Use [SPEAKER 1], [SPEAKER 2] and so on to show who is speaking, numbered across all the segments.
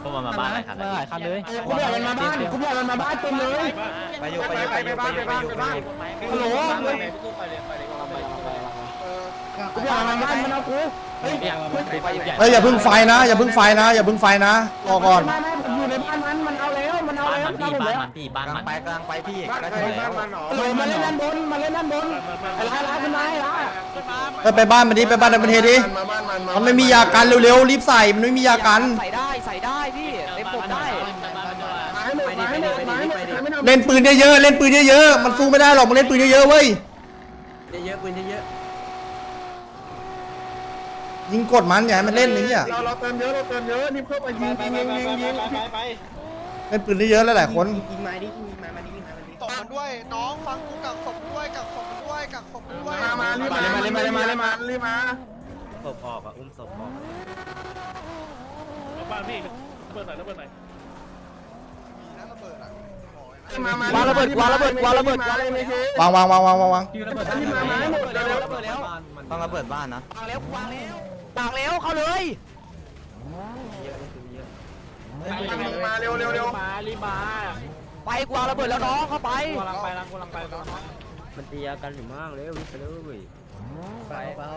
[SPEAKER 1] พวกมันมาบ้านหลายคันเลย
[SPEAKER 2] กูอยากมันมาบ้านกูอยากมันมาบ้านเต็มเลยไปบ้านฮัลโหลกูอยากมันมาบ้านมันเอากูเฮ้ย
[SPEAKER 3] อย่าพึ่งไฟนะอย่าพึ่งไฟนะอย่าพึ่งไฟนะรอก่อน
[SPEAKER 2] ไม่ผมอยู่ในบ้านมันเอาแล้วมันเอาแล้ว
[SPEAKER 1] บ้านมันพี่บ้านมัน
[SPEAKER 4] กำลังไปพี่
[SPEAKER 2] บ้านมันหรอมาเล่นด้านบนมาเล่นด้านบนไอ้ร้ายขึ้นมาไอ้ร้าย
[SPEAKER 3] ไปบ้านมันดิไปบ้านมันเทดิมันไม่มียากันเร็วๆรีบใส่มันไม่มียากัน
[SPEAKER 4] ใส่ได้พี่เต็มปมได้
[SPEAKER 3] เล่นปืนเยอะๆเล่นปืนเยอะๆมันสู้ไม่ได้หรอกมันเล่นปืนเยอะๆเว้ย
[SPEAKER 4] เยอะปืนเยอะ
[SPEAKER 3] ยิงกดมันอย่าให้มันเล่นนี่อ่ะ
[SPEAKER 2] เราเติมเยอะนี่เพิ่มไปยิงไป
[SPEAKER 3] เล่นปืนเยอะๆหลายๆคน
[SPEAKER 2] ยิงไม้ดิยิงไม้มาดิยิงไม้มาดิ
[SPEAKER 5] ตบมันด้วยน้องฟังกูกักศพด้วยกักศพด้วยกักศพด้วย
[SPEAKER 2] มารีบมา
[SPEAKER 1] ศพออกอ่ะอุ้มศพออก
[SPEAKER 6] บ้านพี่เปิดหน่อยแล้วเปิดหน่อย
[SPEAKER 5] นั่นระเบิดอ่ะ
[SPEAKER 2] วางระเบิด
[SPEAKER 3] วาง
[SPEAKER 4] ต้องระเบิดบ้านนะวางแล้วเข้าเลย
[SPEAKER 2] มาเร็ว
[SPEAKER 6] มารีบมา
[SPEAKER 4] ไปกวางระเบิดแล้วน้องเข้าไป
[SPEAKER 6] กำลังไป
[SPEAKER 1] มันตียากันอยู่มากเลยวิ่งไปเลย
[SPEAKER 4] ไป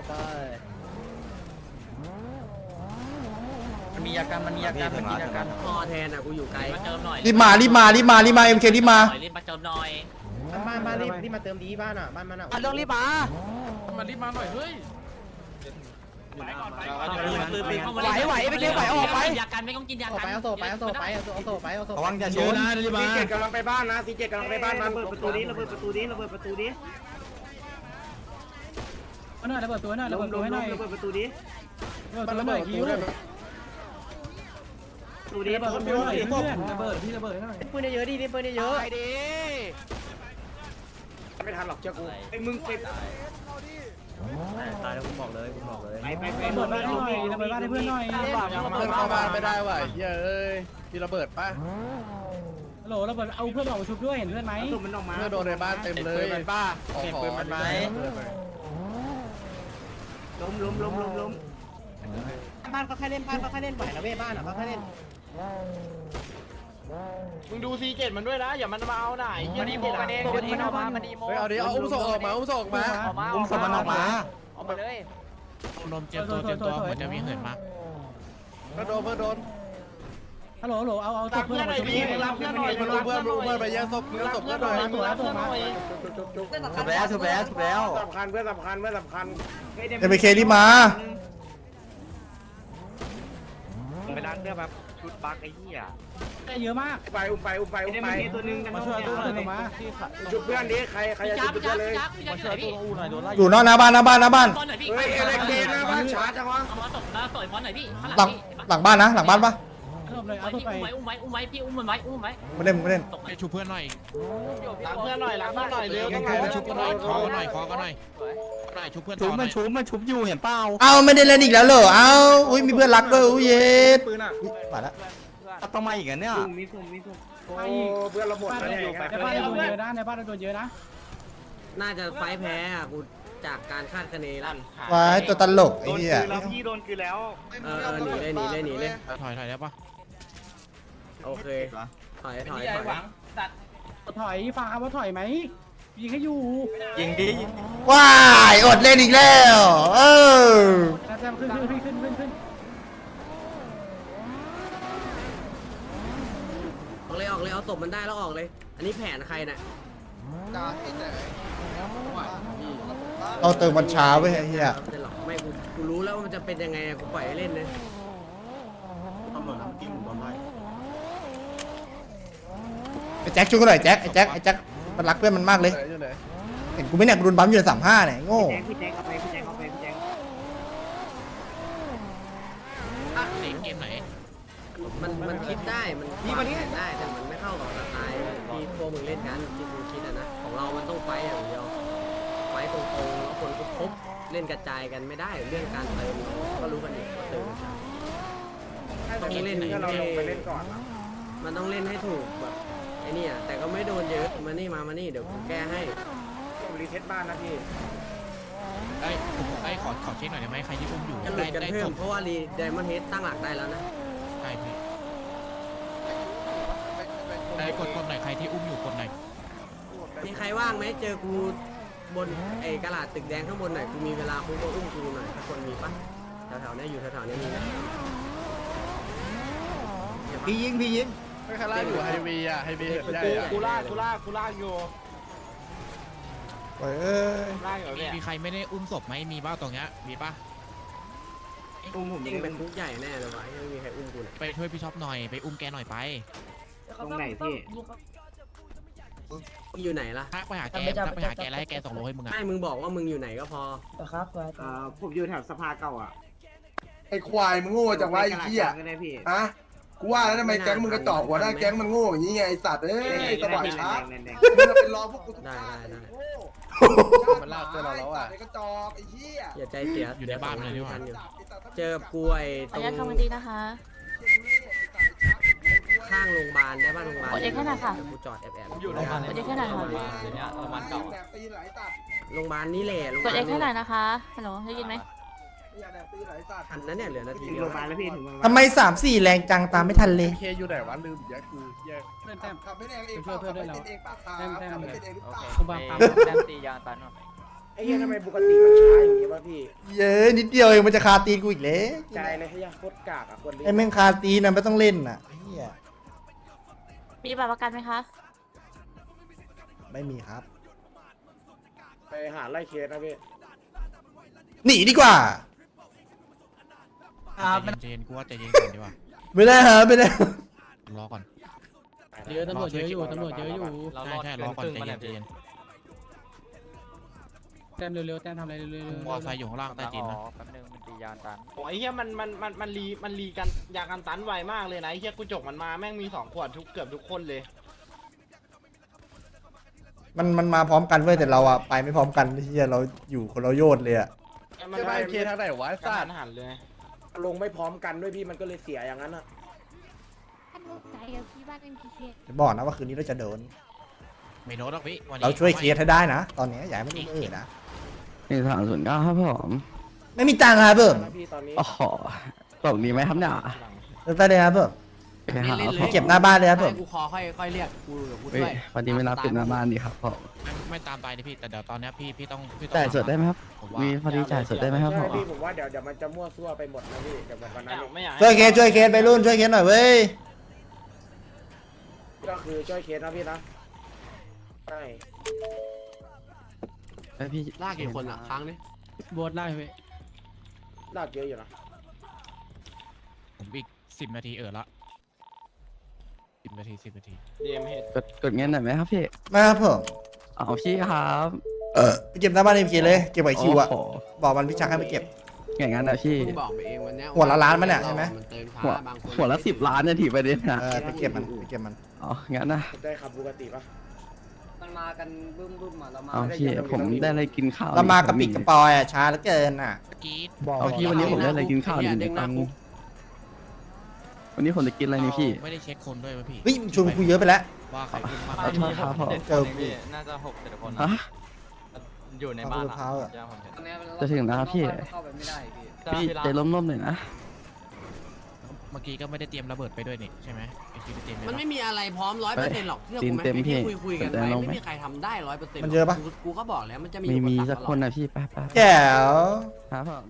[SPEAKER 1] มันมียากันมันมียากัน
[SPEAKER 4] พอแทนอ่ะกูอยู่ไกล
[SPEAKER 1] มาเติมหน่อย
[SPEAKER 3] รีบมาเอ็มเครีบมา
[SPEAKER 1] รีบมาเติมหน่อย
[SPEAKER 2] บ้านรีบมาเติมดีบ้านอ่ะบ้านมันอ่ะ
[SPEAKER 4] ต้องรีบมา
[SPEAKER 6] มันรีบมาหน่อยเฮ้ยไปก่อนไปก่อน
[SPEAKER 4] ไหวไปเก็บไหวออกไป
[SPEAKER 1] ยากันไม่ต้องกินยากัน
[SPEAKER 2] เอาโซ่ไป
[SPEAKER 4] ระวังอย่าชน
[SPEAKER 2] ซีเจ็ดกำลังไปบ้านนะซีเจ็ดกำลังไปบ้านมันประตูนี้ระเบิดประตูนี้
[SPEAKER 6] หน่อยระเบิดตัวหน่อยระเบิดตัวหน่อยระเบิดตัวหน่อยคิวดูดิระเบิดตัวหน่อยเพื่อนระเบิดพี่ระเบิดหน่อย
[SPEAKER 4] ปืนเยอะดิปืนเยอะไปดิ
[SPEAKER 2] ไม่ทันหรอกเจ้ากูไอ้มึงไป
[SPEAKER 1] ตายแล้วกูบอกเลย
[SPEAKER 6] ระเบิดบ้านให้หน่อยระเบิดบ้านให้เพื่อนหน่อย
[SPEAKER 2] เข้าบ้านไม่ได้ว่ะเฮ้ยพี่ระเบิดป่ะ
[SPEAKER 6] ฮัลโหลระเบิดเอาเพื่อนออกมาชุบด้วยเห็นเพื่อนไหม
[SPEAKER 2] เพื่อโดนในบ้านเต็มเลยเป็นป้าเก็บปืนมันไหม
[SPEAKER 4] ล้มบ้านก็แค่เล่นบ้านก็แค่เล่นไหวนะเว้ยบ้านอ่ะก็แค่เล่น
[SPEAKER 6] มึงดูซีเจ็ดมันด้วยนะอย่ามันมาเอาไหนมันดีโมกันเองมันดีโมมันดีโม
[SPEAKER 2] เอาดิเอาอุ้มศพออกมา
[SPEAKER 4] อุ้มศพมันออกมาออกมาเลย
[SPEAKER 6] ลมเจ็บตัวเหมือนจะมีเหินมาก
[SPEAKER 2] เพื่อโดน
[SPEAKER 6] ฮัลโหลเอาศพเพื่อนหน่อยพี่รับเพื่อนหน่อย
[SPEAKER 2] เพื่อนไปแย่งศพมือศพเพื่อนหน่อย
[SPEAKER 6] ตัวหน่อย
[SPEAKER 4] ถูกแล้ว
[SPEAKER 2] สำคัญเพื่อนสำคัญ
[SPEAKER 3] เอ็มเครีบมา
[SPEAKER 1] ไปร้านเพื่อแบบชุดบักไอ้เหี้ย
[SPEAKER 6] ได้เยอะมาก
[SPEAKER 2] ไปอุ้มไปตัวนึง
[SPEAKER 6] มาช่วยตัวหน่อยมา
[SPEAKER 2] จุดเพื่อนนี้ใครจะจุดเพื่อนเลย
[SPEAKER 1] มาช่วยตัวอูหน่อยโดนไล่
[SPEAKER 3] อยู่นอกหน้าบ้าน
[SPEAKER 2] เฮ้ยเล็กเกนนะบ้านช้าจังวะ
[SPEAKER 1] เอามาตบมาต่อยพอนหน่อยพี่
[SPEAKER 3] หลังบ้านนะหลังบ้านปะ
[SPEAKER 6] เอาตัวไป
[SPEAKER 1] อุ้มไว้พี่อุ้มมันไว้
[SPEAKER 3] ไม่เล่น
[SPEAKER 6] ไปชุบเพื่อนหน่อยล้างเพื่อนหน่อยเร็วก็ชุบหน่อยขอหน่อยชุบเพื่อนต่อหน่อย
[SPEAKER 4] มันชุบอยู่เห็นเปล่า
[SPEAKER 3] เอาไม่ได้เล่นอีกแล้วเหรอเอาอุ้ยมีเพื่อนรักด้วยอุ้ยเย็ดมาแล้ว
[SPEAKER 4] ต้องมาอีกอ่ะเนี่ย
[SPEAKER 2] โอ้เพื่อนเราหมดแล้วเนี่ย
[SPEAKER 6] ในบ้านโดนเยอะนะในบ้านโดนเยอะนะ
[SPEAKER 4] น่าจะไฟแพ้อ่ะกูจากการคาดคะเนลั่น
[SPEAKER 3] ว้ายตัวตลกไอ้เหี้ย
[SPEAKER 5] พี่โดนคือแล้ว
[SPEAKER 4] หนีเลย
[SPEAKER 6] ถอยได้ปะ
[SPEAKER 4] โอเคถอย
[SPEAKER 6] ถอยฟังครับว่าถอยไหมยิงให้อยู่
[SPEAKER 4] ยิงดิ
[SPEAKER 3] ว้ายอดเล่นอีกแล้ว
[SPEAKER 6] แซมขึ้น
[SPEAKER 4] ออกเลยเอาศพมันได้แล้วออกเลย อันนี้แผนใครน่ะ
[SPEAKER 5] จ้าที่ไหน
[SPEAKER 3] เราเติมวันช้าไว้ไอ้เหี้ย
[SPEAKER 4] ไม่กูรู้แล้วว่ามันจะเป็นยังไงกูปล่อยให้เล่นเลย
[SPEAKER 3] ไอ้แจ็คช่วยกันหน่อยแจ็คไอ้แจ็คมันรักเพื่อนมันมากเลยเห็นกูไม่เนี่ยกูโดนบัมอยู่ใน35เนี่ยโง่
[SPEAKER 6] เกมไหน
[SPEAKER 4] มันคิดได้มันวางแผนได้แต่มันไม่เข้ากับสไตล์ที่พวกมึงเล่นกันที่มึงคิดนะของเรามันต้องไฟอย่างเดียวไฟตรงๆแล้วคนครบเล่นกระจายกันไม่ได้เรื่องการเติมก็รู้กันอยู่ว่าเติมต้องเล่นให้มันต้องเล่นให้ถูกแบบไอ้นี่แต่ก็ไม่โดนเยอะมานี่เดี๋ยวผมแก้ให้
[SPEAKER 2] ผมรีเซ็ตบ้านนะพี่
[SPEAKER 6] ขอเช็คหน่อยได้ไหมใครที่อุ้มอยู่
[SPEAKER 4] กันหลุดกันเพิ่มเพราะว่ารีไดมอนด์เฮดตั้งหลักได้แล้วนะ
[SPEAKER 6] ใช่พี่กดหน่อยใครที่อุ้มอยู่กดหน่อย
[SPEAKER 4] มีใครว่างไหมเจอกูบนไอ้กระดาษตึกแดงข้างบนหน่อยกูมีเวลากูก็อุ้มกูหน่อยถ้าคนมีปะแถวๆนี้อยู่แถวๆนี้มีไหม
[SPEAKER 2] พี่ยิงพี่ยิง
[SPEAKER 7] ไม่ใครล่าอยู่ไฮวีอ่ะไฮวีใหญ่อ่ะ
[SPEAKER 2] กูลากอยู่
[SPEAKER 3] โอ้ยเอ้ย
[SPEAKER 2] ลากอยู่เนี่ย
[SPEAKER 6] มีใครไม่ได้อุ้มศพไหมมีบ้าตรงเนี้ยมีป่ะ
[SPEAKER 4] จริงเป็นคุกใหญ่แน่เลยวะไม่มีใครอุ้มกูเลย
[SPEAKER 6] ไปช่วยพี่ช็อปหน่อยไปอุ้มแกหน่อยไป
[SPEAKER 2] ตรงไหนพี่
[SPEAKER 4] มึงอยู่ไหนล่ะ
[SPEAKER 6] ทักไปหาแกทักไปหาแกแล้วให้แกส่งโลให้มึงอ่ะ
[SPEAKER 4] ไม่มึงบอกว่ามึงอยู่ไหนก็พอ
[SPEAKER 2] ผมอยู่แถวสภาเก่าอ่ะ
[SPEAKER 7] ไอ้ควายมึงโง่จังวะไอ้เหี้ย
[SPEAKER 2] ก็ได้พี่
[SPEAKER 7] ฮะกูว่าแล้วทำไมแก๊งมึงกระจอกหัวหน้าแก๊งมันโง่อย่างนี้ไงไอ้สัตว์เอ้ยสว่างช้ามึงจะเป็นรอพวกกูทุกทางมันลากตัวเราแล้วอ่ะไอ้กระจอกไอ้เหี้ย
[SPEAKER 4] อย่าใจเสีย
[SPEAKER 6] อยู่ในบ้านเลยดีกว่า
[SPEAKER 4] เจอกูไอ้
[SPEAKER 8] ข
[SPEAKER 4] ต
[SPEAKER 8] อ
[SPEAKER 4] ร
[SPEAKER 8] อนุญาต
[SPEAKER 4] ง
[SPEAKER 8] คำวันดีนะคะ
[SPEAKER 4] ข้างโรงพยาบาลได้ป่ะโรงพยาบาล
[SPEAKER 8] กดเอ็กซ์ให้หน่อยค่ะ
[SPEAKER 4] กูจอดแอบ
[SPEAKER 2] อยู่โรงพยาบาล
[SPEAKER 8] กดเอ็กซ์ให้หน่อยค่ะ
[SPEAKER 7] ตีไหลตัด
[SPEAKER 4] โรงพยาบาลนี่แหละโรงพ
[SPEAKER 8] ก
[SPEAKER 4] ยา
[SPEAKER 8] ด
[SPEAKER 4] บาล
[SPEAKER 8] เอ็กซ์ให้หน่อยนะคะฮัลโหลได้ยินไหม
[SPEAKER 7] ตีไหลตัด
[SPEAKER 4] ทันนั้นเนี่ยเหลือนาที
[SPEAKER 2] ถึง
[SPEAKER 4] เดีย
[SPEAKER 2] โร
[SPEAKER 4] ว
[SPEAKER 2] งพยาบาลแล้วพี่ถึงโรงพยาบาล
[SPEAKER 3] ทำไม3-4แรงจังตามไม่ทันเลย
[SPEAKER 7] เคอยู่ไหนวะลืมแยกกูแยกขับไม่แรงเองเปล่าขับไม่เป็นเองป้าขาขับไม่เป็นเองหรือเปล่า
[SPEAKER 2] ผมบังคับแต้มตียางตัน
[SPEAKER 9] ไอ้เหี้ยทำไมปกติมันช้าอย่างงี้วะพี่
[SPEAKER 3] เย้ยนิดเดียวเองมันจะคาตีนกูอีกแล้ว
[SPEAKER 9] ใจเลยไอ้เหี้ยโคตรกากอ่ะคนนี้
[SPEAKER 3] ไอ้แม่งคาตีนนะไม่ต้องเล่นน่ะเฮีย
[SPEAKER 8] มีบัตรประกันไหมคะ
[SPEAKER 3] ไม่มีครับ
[SPEAKER 9] ไปหาไล่เคสนะพี่
[SPEAKER 3] หนีดีกว่า
[SPEAKER 6] ใจเย็นกูว่าใจเย็นก่อนดีกว่า
[SPEAKER 3] ไม่ได้ฮะไม่ได้
[SPEAKER 6] รอก่อน
[SPEAKER 2] เยอะตำรวจเยอะอยู่ตำรวจเยอะอยู่
[SPEAKER 6] ใช่รอก่อนใจเย็นใจเย็น
[SPEAKER 2] แต้มเร็วๆแต้มทำอะไรเร็ว
[SPEAKER 6] มอไซค์อยู่ข้างล่างใต้ดินนะ
[SPEAKER 2] โอ้ยเฮียมันรีกันยากันตันไวมากเลยนะไอ้เฮียกูจกมันมาแม่งมี2 ขวดเกือบทุกคนเลย
[SPEAKER 3] มันมาพร้อมกันเว้ยแต่เราอะไปไม่พร้อมกันเฮียเราอยู่คนละโยชน์เลยอะ
[SPEAKER 7] ใช่ไหมเคทางไหนวะไอ้
[SPEAKER 2] กา
[SPEAKER 7] สัต
[SPEAKER 2] ร
[SPEAKER 7] ว์
[SPEAKER 2] หันเลย
[SPEAKER 9] ลงไม่พร้อมกันด้วยพี่มันก็เลยเสียอย่างนั้นอ่ะ
[SPEAKER 8] ใจกับพี่บ้านเป็นพีเค
[SPEAKER 3] จะบอกนะว่าคืนนี้เราจะโดน
[SPEAKER 6] ไม่โน้ตหรอกพี่วันนี้
[SPEAKER 3] เราช่วยเคสให้ได้นะ ตอนนี้อย่าให้มันเอ่ยนะ
[SPEAKER 10] 1309ครับผม
[SPEAKER 3] ไม่มีตังค์ครับเพิ่ม
[SPEAKER 9] นะพี่ตอนนี้
[SPEAKER 10] โอ้โหตกดีไหมครับเนี่ย
[SPEAKER 3] ไปเลยครับเพิ่ม
[SPEAKER 10] ไปหา
[SPEAKER 3] ไปเก็บหน้าบ้านเลยครับเพิ่ม
[SPEAKER 4] กูคอค่อยเรียกกูกู
[SPEAKER 10] เฮ้
[SPEAKER 4] ด้วย
[SPEAKER 10] ยพอดีไม่รับติดหน้าบ้านดีครับผม
[SPEAKER 6] ไม่ตามไปนะพี่แต่เดี๋ยวตอนนี้พี่ต้อง
[SPEAKER 10] จ่ายสดได้ไหมครับ
[SPEAKER 6] ผมว่า
[SPEAKER 10] มีพอดีจ่ายสดได้ไหมครับผ
[SPEAKER 9] ใช่
[SPEAKER 10] ม
[SPEAKER 9] พี่ผมว่าเดี๋ยวมันจะมั่วซั่วไปหมดนะพี่เดี๋ยววันนั้น
[SPEAKER 2] ไม่อยาก
[SPEAKER 3] ช่วยเคสไปรุ่นช่วยเคสหน่อยเว้ย
[SPEAKER 9] ก็คือช่วยเคสนะพี่นะใช่
[SPEAKER 10] เฮ้ยพี่
[SPEAKER 4] ลากกี่คนอ่ะครั้งนี้
[SPEAKER 2] โบสไล่ไป
[SPEAKER 9] ลากเยอะอยู่นะ
[SPEAKER 6] ผมอีก10 นาทีละ10 นาที10 นาที
[SPEAKER 2] เดมเฮด
[SPEAKER 10] กดเงินหน่อยไหมครับพี่
[SPEAKER 3] มาครับเพิ่ม
[SPEAKER 10] เอาพี่ครับ
[SPEAKER 3] ไปเก็บหน้าบ้านเอ็มเคเลยเก็บไว้คิวอะ
[SPEAKER 10] โอ้โห
[SPEAKER 3] บอกมันพี่ชักให้ไปเก็บ
[SPEAKER 10] อย่างนั้นนะพี่
[SPEAKER 4] มึงบอกไปเองวันเนี้ย
[SPEAKER 3] หัวละล้านมั้ยเนี่ยใช่ไหม
[SPEAKER 4] นเติม
[SPEAKER 10] หัว
[SPEAKER 4] ช้าบางคน
[SPEAKER 10] หัวละ10 ล้านเนี่ยถีประเด็นนะ
[SPEAKER 3] ไปเก็บมัน
[SPEAKER 10] อ๋องั้นนะ
[SPEAKER 9] ได้ขับปกติปะ
[SPEAKER 4] มันมากันบึ้มอ่ะเรามา
[SPEAKER 10] เอาพี่ผมได้อะไรกินข้าว
[SPEAKER 3] เรามากระปิดกระปอยอะช้าเหลือเกินอะ
[SPEAKER 6] กรีด
[SPEAKER 10] เอาพี่วันนี้ผมได้อะไรกินข้าวหนึ่งตังค์วันนี้ผมจะกินอะไรนี่พี่
[SPEAKER 6] ไม่ได้เช็คคนด้วยวะพี่
[SPEAKER 3] เฮ้ยชวนคุยเยอะไปแล้ว
[SPEAKER 6] ว่าใครอุ้มมาก
[SPEAKER 10] ขอโทษครับผม
[SPEAKER 3] เจอ
[SPEAKER 1] น่าจะ6-7 คน
[SPEAKER 10] ฮะ
[SPEAKER 1] อยู่ใน
[SPEAKER 3] บ้า
[SPEAKER 1] บ้าน น
[SPEAKER 3] มะพร้าวอะ
[SPEAKER 10] จะถึงแล้วครับพี่
[SPEAKER 4] เข้าไปไม่ได้พี่
[SPEAKER 10] พี่ใจร่มๆหน่อยนะ
[SPEAKER 6] เมื่อกี้ก็ไม่ได้เตรียมระเบิดไปด้วยนี่ใช่ไหมไอ้ที่เตรียม
[SPEAKER 4] มันไม่มีอะไรพร้อม100%หรอกเชื่อ
[SPEAKER 10] ตี
[SPEAKER 4] กู
[SPEAKER 10] น
[SPEAKER 4] ไหม
[SPEAKER 10] เต็มพี่
[SPEAKER 4] ที่คุยกัน
[SPEAKER 10] แต่
[SPEAKER 4] ไว้
[SPEAKER 10] ลงไหม
[SPEAKER 4] ไม่มีใครทำได้100%
[SPEAKER 3] มันเยอะปะ
[SPEAKER 4] กูก็บอกแล้วมันจะมี
[SPEAKER 10] มี
[SPEAKER 4] อุปรร
[SPEAKER 10] สักคนนะพี่ไป
[SPEAKER 3] แจ๋ว
[SPEAKER 10] ครับผม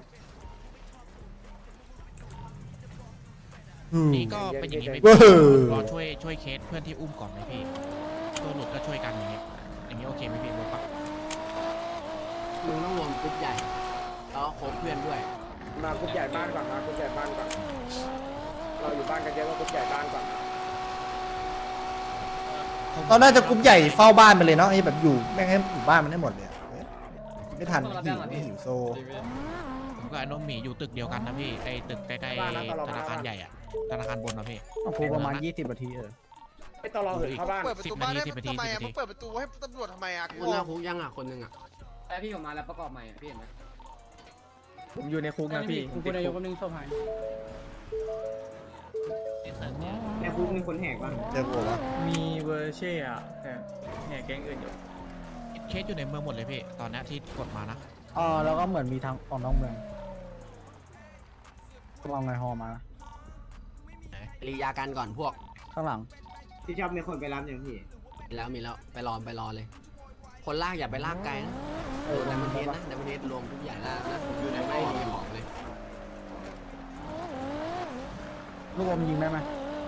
[SPEAKER 6] นี่ก็เป็นอย่างนี้ไหม
[SPEAKER 3] เว้ย
[SPEAKER 6] รอช่วยเคสเพื่อนที่อุ้มก่อนไหมพี่ตัวหลุดก็ช่วยกันอย่างเงี้ยโอเคไหมพี่รู้ปะ
[SPEAKER 4] มึงต้องรวมกลุ่มใหญ่แล้วคบเพื่อนด้วย
[SPEAKER 9] มากรุ๊ปใหญ่บ้านก่อนมากรุ๊ปใหญ่บ้านก่อนเราอยู่บ้านกันเยอะก็กรุ๊ปใหญ่บ้านก่อน
[SPEAKER 3] เราน่าจะกรุ๊ปใหญ่เฝ้าบ้านไปเลยเนาะไอ้แบบอยู่แม่งให้อยู่บ้านมันให้หมดเลยอะไม่ทันหิวโซ
[SPEAKER 6] ผมกับไอ้น้องหมีอยู่ตึกเดียวกันนะพี่ไอ้ตึกใกล้ๆธนาคารใหญ่อะธนาคารบนนะพี่
[SPEAKER 2] กูประมาณ20 นาที
[SPEAKER 9] ไม่ต้องรอถึงเข้าบ้าน
[SPEAKER 5] เปิดประตูบ้านได้ทำไมอ่ะมึงเปิดประตูให้ตำรวจทำไมอ่ะ
[SPEAKER 4] คนหน้าคุกยังอ่ะคนหนึ่งอ่ะ
[SPEAKER 11] แต่พี่ผมมาแล้วประกอบใหม่พี่เห็นไหม
[SPEAKER 2] ผมอยู่ในคุกนะพี่คุณนายกก็นึงศพหายในคุกมีคนแหกบ้าง
[SPEAKER 3] เจอกูวะ
[SPEAKER 2] มีเวอร์เช่อะแต่แหกแก๊งอื่นอยู่
[SPEAKER 6] เคสอยู่ในเมืองหมดเลยพี่ตอนนี้ที่กดมานะ
[SPEAKER 2] แล้วก็เหมือนมีทางออกนอกเมืองก็เอาไงฮอมา
[SPEAKER 4] รียากันก่อนพวก
[SPEAKER 2] ข้างหลัง
[SPEAKER 11] พี่ชอบมีคนไปรับอย่างพี่
[SPEAKER 4] มีแล้วไปรอเลย คนลากอย่าไปลากไกลนะในประเทศนะในประเทศรวมทุกอย่างแล้วนะอยู่ในไม่มีของเลย
[SPEAKER 10] ลูกอมยิงได้ไหม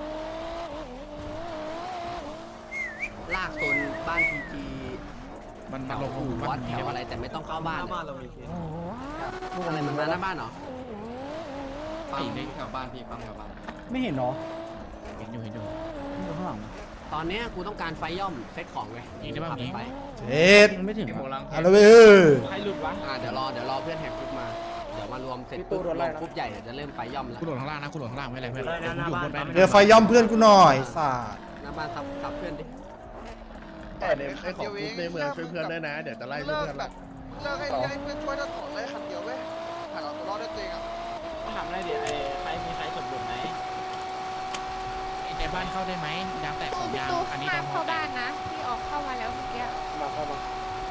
[SPEAKER 4] ลากโซนบ้านพีจี
[SPEAKER 6] มัน
[SPEAKER 4] แถ
[SPEAKER 6] มาว ลง
[SPEAKER 4] อู่
[SPEAKER 6] บ้า
[SPEAKER 4] วัด
[SPEAKER 6] น
[SPEAKER 4] แถ
[SPEAKER 6] นี้
[SPEAKER 4] ว
[SPEAKER 6] ได้
[SPEAKER 4] อะไร
[SPEAKER 6] ปะ
[SPEAKER 4] แต่ไม่ต้องเข้าบ้าน
[SPEAKER 11] บ้านเรามีเคส
[SPEAKER 4] อะไรมันมาหน้าบ้านเหรอ
[SPEAKER 11] ปั๊มแถวบ้านพี่ปั๊มแถวบ้าน
[SPEAKER 10] ไม่เห็นเหรอ
[SPEAKER 6] เห็นอยู่
[SPEAKER 10] อยู่ข้างหลัง
[SPEAKER 4] ตอนเนี้ยกูต้องการไฟย่อมเซตของไง
[SPEAKER 6] ยิงได้ปะ
[SPEAKER 4] ขับ
[SPEAKER 6] ยิง
[SPEAKER 4] ไป
[SPEAKER 3] เจ็ด
[SPEAKER 10] ยังไม่ถึง
[SPEAKER 3] เอาละเว้ย
[SPEAKER 2] ใครหลุดวะ
[SPEAKER 4] เดี๋ยวรอเพื่อนแหกคุกมาเดี๋ยวมารวมเสร็จปุ๊บรวมคุกใหญ่เดี๋ยวจะเริ่มไฟย่อมแล้ว
[SPEAKER 6] กูโดดข้างล่างนะกูโดดข้างล่างไม่อะไรเพื่อนอยู่บนไป
[SPEAKER 3] เจอไฟย่อมเพื่อนกูหน่อยสาด
[SPEAKER 4] หน้าบ้านทับเพื่อนดิ
[SPEAKER 7] แต่ในไอ้ของคุกในเมืองช่วยเพื่อนด้วยนะเดี๋ยวจะไล่เพื่อน
[SPEAKER 5] แบ
[SPEAKER 7] ละ
[SPEAKER 5] บเลิกให้เพื่อนช่วยถอนเลยคันเดียวเว้ยผ่านเอาตัวรอดได้ตัวเองอ่ะ
[SPEAKER 2] ถามอะไรดิใครมีใครสมบูรณ์ไหม
[SPEAKER 6] ในบ้านเข้าได้ไหมยางแตกสองยางอันนี้
[SPEAKER 8] ห้าม
[SPEAKER 6] ดำ
[SPEAKER 8] เข้าบ้านนะพี่ออกเข้ามาแล้วเมื่อกี้
[SPEAKER 9] มาเข้ามา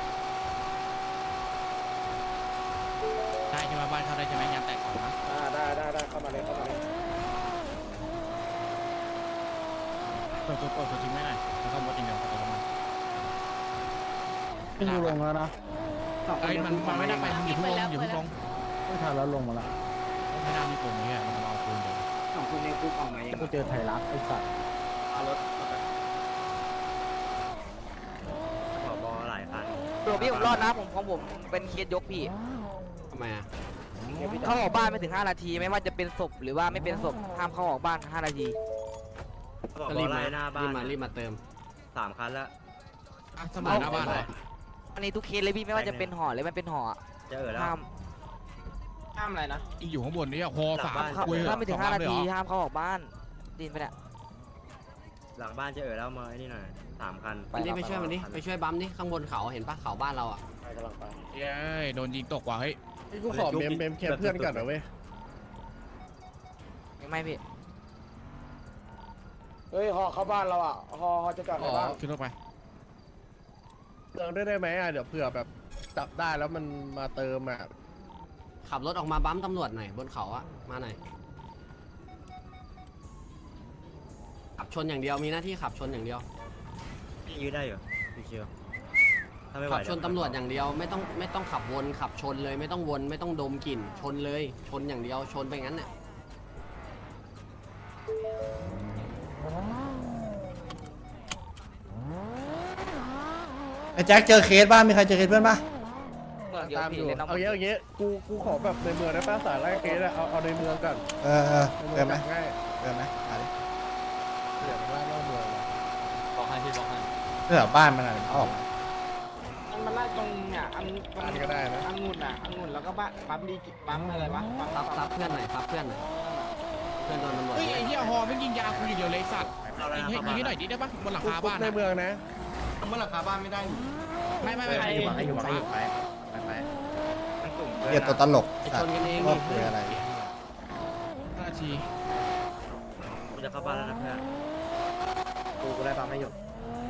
[SPEAKER 6] ได้ใช่ไหมบ้านเข้าได้ใช่ไหมยางแตกสองนะ
[SPEAKER 9] ได้เข้ามาเลยเข้ามาเลย
[SPEAKER 6] เปิดตัวทิ้งไม่ได้แล้วก็บดอย่างเดียวตัวมัน
[SPEAKER 10] ขึ้นลงแล้วนะ
[SPEAKER 6] ไอ้มันไม่ได้ไปมึงอยู่เพิ่งลง
[SPEAKER 10] ไม่ทันแล้วลงมาแล้ว
[SPEAKER 6] ไม่น่ามีตัวนี้มันเอาปืนเดียว
[SPEAKER 11] ของคุณในคุกออกมายัง
[SPEAKER 10] กูเจอไทยรัฐไอ้สัตว์
[SPEAKER 2] เอารถ
[SPEAKER 1] ผบหลายคัน
[SPEAKER 5] ตัวพี่ผมรอดนะของผมเป็นเคสยกพี่
[SPEAKER 4] ทำไมอ่ะ
[SPEAKER 5] เข้าออกบ้านไม่ถึง5 นาทีไม่ว่าจะเป็นศพหรือว่าไม่เป็นศพห้ามเข้าออกบ้าน5 นาที
[SPEAKER 4] ก็รีบมาเติม
[SPEAKER 1] 3 คันแล้ว
[SPEAKER 6] สมัยหน้าบ้านเลย
[SPEAKER 5] อันนี้ทุกเคสเลยพี่ไม่ว่าจะเป็นห่อหรือไม่เป็นห่อ
[SPEAKER 1] จะแล้ว
[SPEAKER 5] ห้าม
[SPEAKER 2] ห้ามอะไรนะ
[SPEAKER 6] อยู่ข้างบนนี่คอสาม
[SPEAKER 5] ถ้าไม่ถึง5 นาทีห้ามเข้าออกบ้านดินไปเนี่ย
[SPEAKER 1] หลังบ้านจะแล้วมาไอ้นี่หน่อย3 คัน
[SPEAKER 4] ไปช่วยมันดิไปช่วยบัมดิข้างบนเขาเห็นปะเขาบ้านเราอ่ะ
[SPEAKER 9] ไปกำลังไป
[SPEAKER 6] เย้โดนยิงตกว่ะเฮ้ย
[SPEAKER 7] กูขอเมมแคปเพื่อนก่อนนะเว้ย
[SPEAKER 5] ไม่พี่
[SPEAKER 9] เฮ้ยฮอเข้าบ้านเราอ่ะฮอจะจอดในบ้าน
[SPEAKER 6] ขึ้นรถไป
[SPEAKER 7] เติมได้ไหมเดี๋ยวเผื่อแบบจับได้แล้วมันมาเติมอ่ะ
[SPEAKER 4] ขับรถออกมาบัมตำรวจหน่อยบนเขาอ่ะมาหน่อยขับชนอย่างเดียวมีหน้าที่ขับชนอย่างเดียว
[SPEAKER 1] ยืดได้อยู่พี่เชียวถ้าไม่ไหว
[SPEAKER 4] ขับชนตำรวจอย่างเดียวไม่ต้องขับวนขับชนเลยไม่ต้องวนไม่ต้องดมกลิ่นชนเลยชนอย่างเดียวชนไปงั้นเนี่ย
[SPEAKER 3] ไอ้แจ็คเจอเคสบ้างมีใครเจอเคสเพื่อนปะ
[SPEAKER 7] ตามอยู่เอาเงี้ยกูขอแบบในเมืองได้ป้าสายไล่เคสเอาในเมืองก่อน
[SPEAKER 3] เออเกินไหม
[SPEAKER 7] ง่าย
[SPEAKER 3] เกินไหมมาดิ
[SPEAKER 7] เดี๋ยวล่านอกเมือง
[SPEAKER 11] บอกให้พี่บอกให้
[SPEAKER 3] เพื่อบ้านมันอะไรออก
[SPEAKER 2] มันไล่ตรงเนี่ยอัน
[SPEAKER 7] อันนี้ก็ได้นะ
[SPEAKER 2] องุ่นแล้วก็ปั๊มดีปั๊มอะไรวะ
[SPEAKER 4] ซับเพื่อนหน่อยซับเพื่อนหน่อยเพื่อนโดนตำรวจ
[SPEAKER 6] เฮ้ยไอ้เหี้ยฮอไม่ยิงยากูอย่างเดียวเลยสัตว์ยิงให้หน่อยดิได้ปะบนหลังคาบ้าน
[SPEAKER 7] ในเมืองนะ
[SPEAKER 11] เมื่อหลังคาบ้านไม่ได้
[SPEAKER 6] ไม่
[SPEAKER 1] อยู่ไปกลุ่ม
[SPEAKER 3] เรียกตัวตลก
[SPEAKER 4] ไป
[SPEAKER 3] สั
[SPEAKER 4] ช
[SPEAKER 3] ต
[SPEAKER 4] น
[SPEAKER 3] ว์
[SPEAKER 4] กันเอง
[SPEAKER 3] ก็
[SPEAKER 4] ดิ
[SPEAKER 3] คืออะไร
[SPEAKER 6] นาที
[SPEAKER 1] กูจะเข้าบ้านแล้วนะเพื่อนกูได้ปั๊มไม่หยุด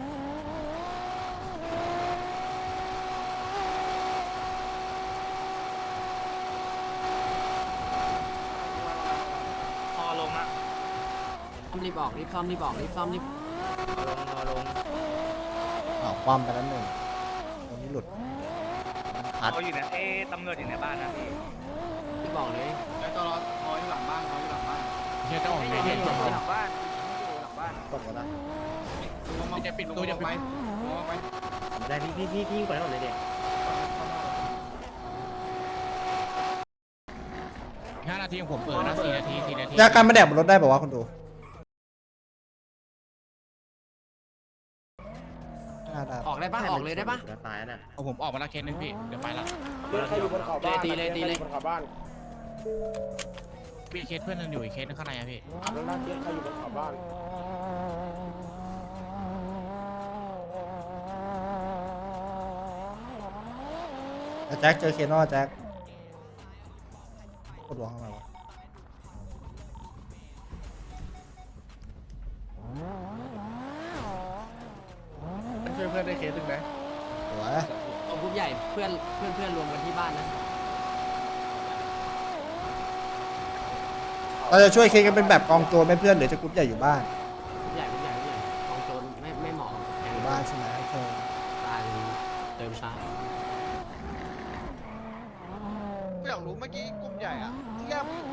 [SPEAKER 2] พอลงอ่ะ
[SPEAKER 4] รีบออกรีบซ่อมรีบออกรีบซ่อมรีบ
[SPEAKER 1] รอลง
[SPEAKER 3] เอาความไปแล้วหนึ่งตรงนี้หลุดอัด
[SPEAKER 1] เขาอยู่ในตำรวจอยู่ในบ้านนะพี่
[SPEAKER 4] รีบบอกเลย
[SPEAKER 11] แล้วก็รอคอยหลังบ้านคอยหลังบ้าน
[SPEAKER 6] เฮียจะออกไหนเนี่ย
[SPEAKER 5] หลังบ้านอยู่หลังบ้าน
[SPEAKER 3] ตกแล้วนะ
[SPEAKER 6] จะปิดตัวจะปิด
[SPEAKER 1] ได้พี่ยิงไปแล้วเลยเด็ก
[SPEAKER 6] 5 นาทีของผมเปิดนะ4 นาที4 นาที
[SPEAKER 3] ยาการมาแดกบนรถได้ป่าวะคุณดูได้
[SPEAKER 4] ออกได้ปะออกเลยได้ปะ
[SPEAKER 1] ตายน่ะ
[SPEAKER 6] เอาผมออกมาละเคสนึงพี่เดี๋ยวไปละ
[SPEAKER 9] ใครอยู่บนเขาบ้าน
[SPEAKER 4] ตีเลย
[SPEAKER 9] บนเขาบ้าน
[SPEAKER 6] มีเคสเพื่อนนึงอยู่อีกเคสนึงข้างในอะพี่
[SPEAKER 9] แล้วน่าเกลียดใครอยู่บนเขาบ้าน
[SPEAKER 3] แจ็คเจอเคสนอแจ็คกดหัวเข้ามาวะ
[SPEAKER 7] ช่วยเพื่อนได้เคสหนึ่งไหม
[SPEAKER 3] สวย
[SPEAKER 4] ตรงกรุ๊ปใหญ่เพื่อนรวมกันที่บ้านนะ
[SPEAKER 3] เราจะช่วยเคสกันเป็นแบบกองตัวไม่เพื่อนหรือจะกรุ๊ปใหญ่อยู่บ้าน
[SPEAKER 4] กรุ๊ปใหญ่กองโจ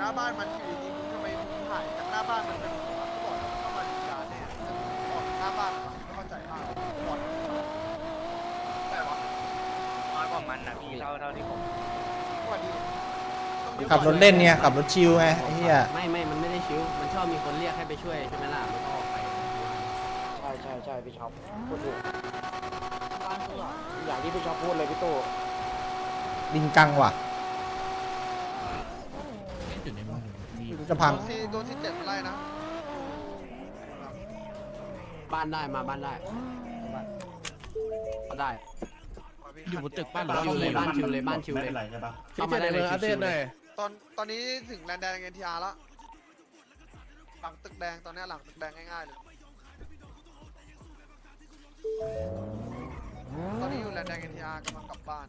[SPEAKER 7] น้าบ้านมันอยู่ดีๆทำไมมึงหายจากหน้าบ้านมันเป็นหัวเขาบอกแล้วมันเข้ามาดูการเนี่ยออกหน้าบ้านมันไม่เข้าใจมากบอลแต่ว่า
[SPEAKER 5] น้อยกว่ามันนะพี่เท่าที่ผม
[SPEAKER 7] วันนี้
[SPEAKER 3] ขับรถเล่นเนี่ยขับรถชิลไงไอ้เหี้ย
[SPEAKER 4] ไม่มันไม่ได้ชิวมันชอบมีคนเรียกให้ไปช่วยใช่ไหมล่ะมันก็ออกไป
[SPEAKER 9] ใช่พี่ช็อปพูดถูกอย่างที่พี่ช็อปพูดเลยพี่ตู้
[SPEAKER 3] ลิงกังว่ะ
[SPEAKER 6] จุดในมือมี
[SPEAKER 3] ไม่รู้จะพัง
[SPEAKER 7] โดนที่7ไล่นะ
[SPEAKER 4] บ้านได้มาบ้านได้ได้
[SPEAKER 6] อยู่บนตึกบ้านหรือ
[SPEAKER 4] บ้าน
[SPEAKER 6] อยู่
[SPEAKER 4] เล
[SPEAKER 6] เลย ย
[SPEAKER 4] บ้านชิวเลยบ้านชิวเลยเข้ามาได้เลยชิวๆเลย
[SPEAKER 7] ตอนนี้ถึงแลนด์แดงเอ็นทีอาร์แล้วหลังตึกแดงตอนนี้หลังตึกแดงง่ายๆเลยตอนนี้อยู่แลนด์แดงเอ็นทีอาร์กำลังกลับบ้าน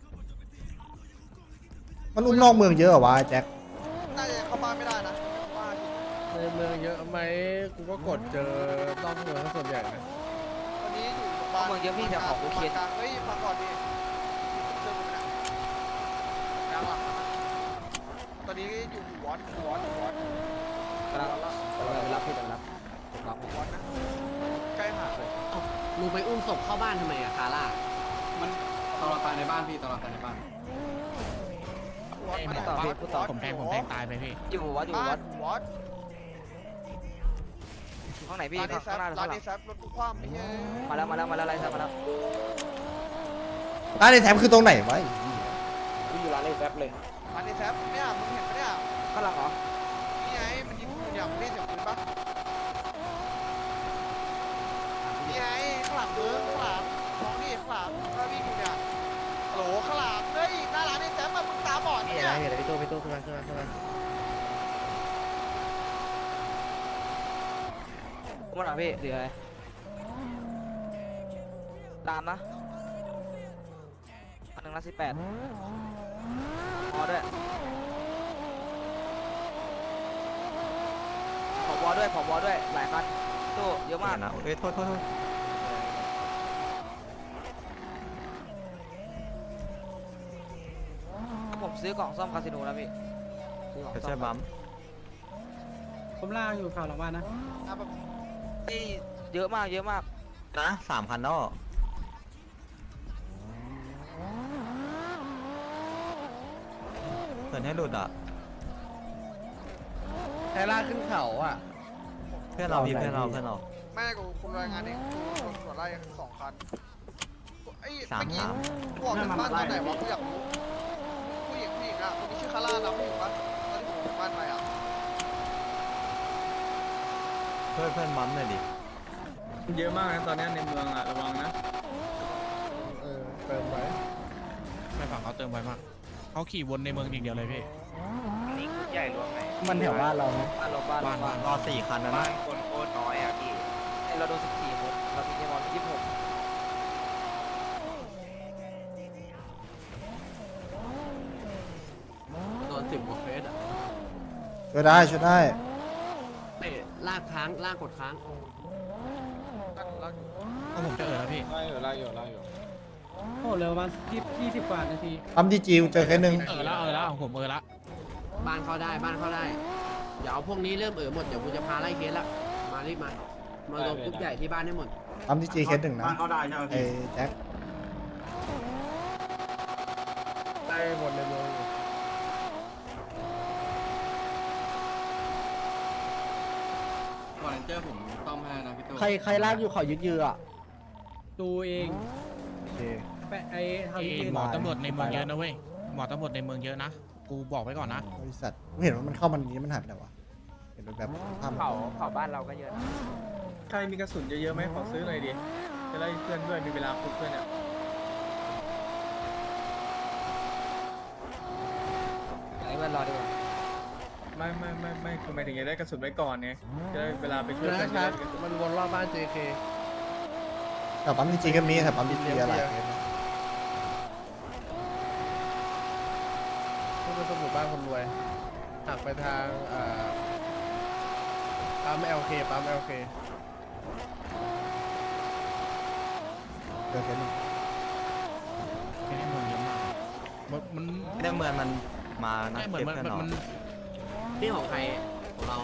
[SPEAKER 3] มันอุ้มนอกเมืองเยอะเหรอวะไอ้แจ็ค
[SPEAKER 7] น่าจะเข้าบ้านไม่ได้นะบ้าน
[SPEAKER 9] ในเมืองเยอะไหมกูก็กดเจอนอกเมืองส่วนใหญ่นะ
[SPEAKER 7] ตอนนี้อยู่บ้านเฮ้ยฟังก่อนดิเรื่องมันนะยังหลังตอนนี้อยู่วอต
[SPEAKER 9] ไปรับพี่ไปรับ
[SPEAKER 7] วอตนะใกล้หาดเลย
[SPEAKER 4] ลุงไปอุ้มศพเข้าบ้านทำไมอะคาร่า
[SPEAKER 11] มันตอนเราตายในบ้านพี่ตอนเราตายในบ้าน
[SPEAKER 7] วอต
[SPEAKER 6] ผมแทงตายไปพี่
[SPEAKER 5] อยู่วัดอยู่
[SPEAKER 7] บ้า
[SPEAKER 5] วั
[SPEAKER 7] น
[SPEAKER 5] ด
[SPEAKER 7] วอต
[SPEAKER 5] ข้างไหนพี่
[SPEAKER 7] ร้านนี้แซ
[SPEAKER 5] ข้างหน้าหรือ
[SPEAKER 7] ร้า
[SPEAKER 5] ข้าน งหลั
[SPEAKER 7] นี้
[SPEAKER 5] ง
[SPEAKER 7] แซรถกูคว่ำไอ้เหี้ย
[SPEAKER 5] มาแล้วไรมาแล้ว
[SPEAKER 3] ร้านในแถมคือตรงไหนวะ
[SPEAKER 9] พี่อยู่ร้านในแฟบเลย
[SPEAKER 7] ร้านนี้แซรเนี่ยมึงเห็นปะเนี่ย
[SPEAKER 5] ข้างหลังเหรอ
[SPEAKER 7] นี่ไงมันยิงปืนอย่างไม่เสียงปืนปะนี่ไงข้างหลังมึงข้างหลังมองนี่ข้างหลังถ้าวิ่งอยู่เนี่ยโหลข้างหลังเฮ้ยหน้าร้านนี้แซรมึงตาบอด
[SPEAKER 9] นี่
[SPEAKER 7] เนี่ย
[SPEAKER 9] อะไรเห็นพี่ตู้ขึ้นมา
[SPEAKER 5] ข้างหลังพี่เหลืออะไรตามนะ118พอด้วยผบด้วยหลายคันตู้เยอะมากนะโทษผมซื้อกล่องซ่อมคาสิโนแล้วพี่ใช่บัม
[SPEAKER 9] ผมล่างอยู่ข่าวหลังบ้านนะ
[SPEAKER 5] นี่เยอะมากนะ3,000แล้วเพื่อนให้หลุดอ่ะ
[SPEAKER 9] ไทล่าขึ้นเขาอ่ะ
[SPEAKER 5] เพื่อนเราพี่เพื่อนเรา
[SPEAKER 7] แม่กูคุมรายงานเองกูตรวจไล่2 คันไอ้เมื่อกี้กูออกจากบ้านตอนไหนวะกูอยากรู้ผู้หญิงอ่ะคนนี้ชื่อคาร่านะผู้หญิงปะตอนที่ผมออกจากบ้านไปอ่ะ
[SPEAKER 5] เพื่อนบัมเลยดิ
[SPEAKER 10] เยอะมากนะตอนนี้ในเมืองอ่ะระวังนะ
[SPEAKER 9] เติมไว้
[SPEAKER 6] ไม่ฝั่งเขาเติมไวมากเขาขี่วนในเมืองอย่างเดียวเลยพี่
[SPEAKER 5] นี่คุณใหญ่รวมไหน
[SPEAKER 9] มันแถวบ้านเราไหม
[SPEAKER 5] บ้านรอ4 คันนะบ้านคนโคตรน้อยอ่ะพี่เราโดน14 คนเรามีเกมบอล26
[SPEAKER 4] โดน10 กว่าเฟสอะ
[SPEAKER 3] ช่วยได้
[SPEAKER 4] เตะลากค้างลากกดค้าง
[SPEAKER 6] ก็ผมจะแล้วพี่
[SPEAKER 2] ไล่อยู่
[SPEAKER 9] โอ้เหลือประมาณ20 กว่านาที
[SPEAKER 3] ปั๊มดีจิวเจอแค่นึง
[SPEAKER 6] แล้วผมละ
[SPEAKER 4] บ้านเข้าได้เดี๋ยวเอาพวกนี้เริ่มหมดเดี๋ยวกูจะพาไล่เคสละมารีบมาลงกรุ๊ปใหญ่ที่บ้านให้หมด
[SPEAKER 3] ปั๊มดีจีเคสหนึ่งนะ
[SPEAKER 11] เขาได้ใช่ไหม
[SPEAKER 3] ไอ้
[SPEAKER 11] พี่
[SPEAKER 3] แจ็ค
[SPEAKER 9] ได้หมดในเมืองอยู่
[SPEAKER 11] วอลเลนเจอร์ผมต้อมให้นะพี่ตู้
[SPEAKER 9] ใครลากอยู่เขายึดยืออ่ะตูเอง
[SPEAKER 3] โอเค
[SPEAKER 9] แปะไอ้ทางยืน
[SPEAKER 6] หมอตำรวจในเมืองเยอะนะเว้ยหมอตำรวจในเมืองเยอะนะกูบอกไว้ก่อนนะ
[SPEAKER 3] บริษัทกูเห็นว่ามันเข้ามันนี้มันหายไปไหนวะเห็นแบบภาพ
[SPEAKER 5] เขาบ้านเราก็เยอะ
[SPEAKER 10] ใครมีกระสุนเยอะๆไหมขอซื้อหน่อยดิจะไล่เพื่อนด้วยมีเวลาคุยเพื่อนอ่ะ
[SPEAKER 5] ไอ้เพื่อนรอดีกว่า
[SPEAKER 10] ไม่คือหมายถึงจะได้กระสุนไว้ก่อนไงจะได้เวลาไปช่วยเพื่อนจะได้กระสุน
[SPEAKER 9] มันวนรอบบ้าน JK
[SPEAKER 3] แต่ปั๊มดีจีก็มีแต่ปั๊มดีจีอะไร
[SPEAKER 9] ที่เป็นสมุดบ้านคนรวยหักไปทางปั๊ม LK
[SPEAKER 3] เจอแค่นึง
[SPEAKER 6] ในเมืองเยอะมากมัน
[SPEAKER 5] ในเมืองมันมานะ
[SPEAKER 6] เหมือนมัน
[SPEAKER 4] นี่ของใครของเรา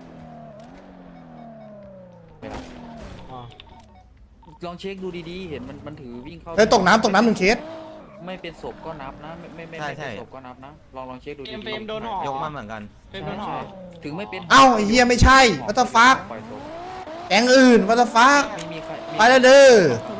[SPEAKER 2] อ๋อ
[SPEAKER 11] ลองเช็คดูดีๆ เห็นมันถือวิ่งเข้า
[SPEAKER 3] เฮ้ยตกน้ำหนึ่งเคส
[SPEAKER 11] ไม่เป็นศพก็นับนะ ไม่เป็นศพก็นับนะ ลองเช็คดูดี
[SPEAKER 2] เฟรมโดนห่อย
[SPEAKER 5] กมาเหมือนกัน
[SPEAKER 2] เฟรมโดนห่อ
[SPEAKER 11] ถึงไม่เป็น
[SPEAKER 3] เอ้าไอ้เหี้ยไม่ใช่วัตฟัก
[SPEAKER 11] ปล่อยศพ
[SPEAKER 3] แก๊งอื่นวัตฟัก
[SPEAKER 11] ไม่มีใคร
[SPEAKER 3] ไปแล้วเด้อ
[SPEAKER 8] ถูก